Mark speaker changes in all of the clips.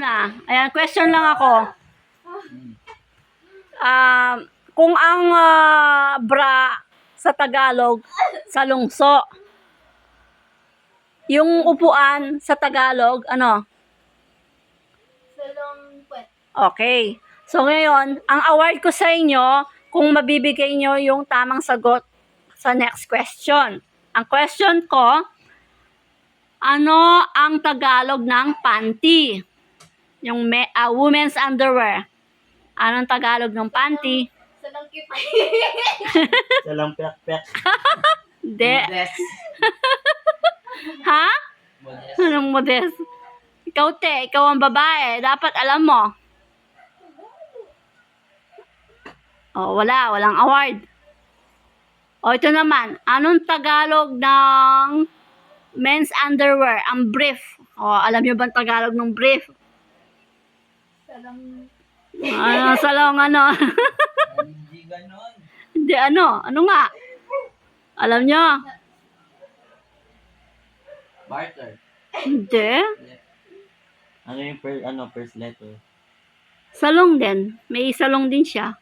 Speaker 1: na. Ayan, question lang ako. Kung ang bra sa Tagalog, salungso. Yung upuan sa Tagalog, ano?
Speaker 2: Salongkwet.
Speaker 1: Okay. So ngayon, ang award ko sa inyo, kung mabibigay nyo yung tamang sagot sa next question. Ang question ko, ano ang Tagalog ng panty? Yung women's underwear. Anong Tagalog ng panty?
Speaker 2: Salongkip.
Speaker 3: Salang pek-pek.
Speaker 1: Hindi.
Speaker 3: Modest.
Speaker 1: Ha?
Speaker 3: Modest.
Speaker 1: Anong modest? Ikaw ikaw ang babae. Dapat alam mo. Oh, walang award. Oh, ito naman. Anong Tagalog ng men's underwear? Ang brief. Oh, alam niyo ba ang Tagalog ng brief?
Speaker 2: Salong...
Speaker 1: Salong ano?
Speaker 3: Hindi ganon.
Speaker 1: Hindi ano? Ano nga? Alam niyo?
Speaker 3: Barter.
Speaker 1: Hindi.
Speaker 3: Ano yung first letter?
Speaker 1: Salong din. May salong din siya.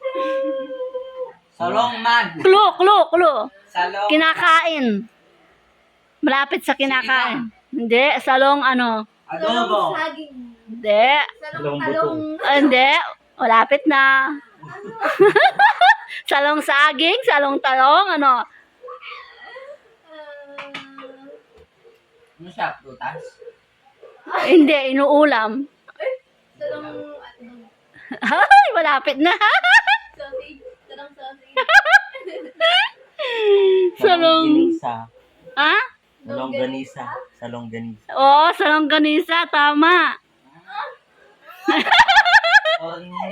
Speaker 3: Salong man.
Speaker 1: Clue.
Speaker 3: Salong.
Speaker 1: Kinakain. Malapit sa kinakain. Hindi. Salong ano?
Speaker 3: Adobo.
Speaker 2: Saging.
Speaker 1: Hindi.
Speaker 2: Salong talong.
Speaker 1: Hindi. Malapit na. Salong saging, salong talong, ano?
Speaker 3: Ano siya? Prutas?
Speaker 1: Hindi, inuulam.
Speaker 2: Salong...
Speaker 1: Ay, malapit na.
Speaker 2: Sausage. Salong sausage.
Speaker 1: Salong...
Speaker 3: Ganisa.
Speaker 1: Ha?
Speaker 3: Salong ganisa. Salong ganisa.
Speaker 1: Oo, salong ganisa, tama.
Speaker 3: Oh,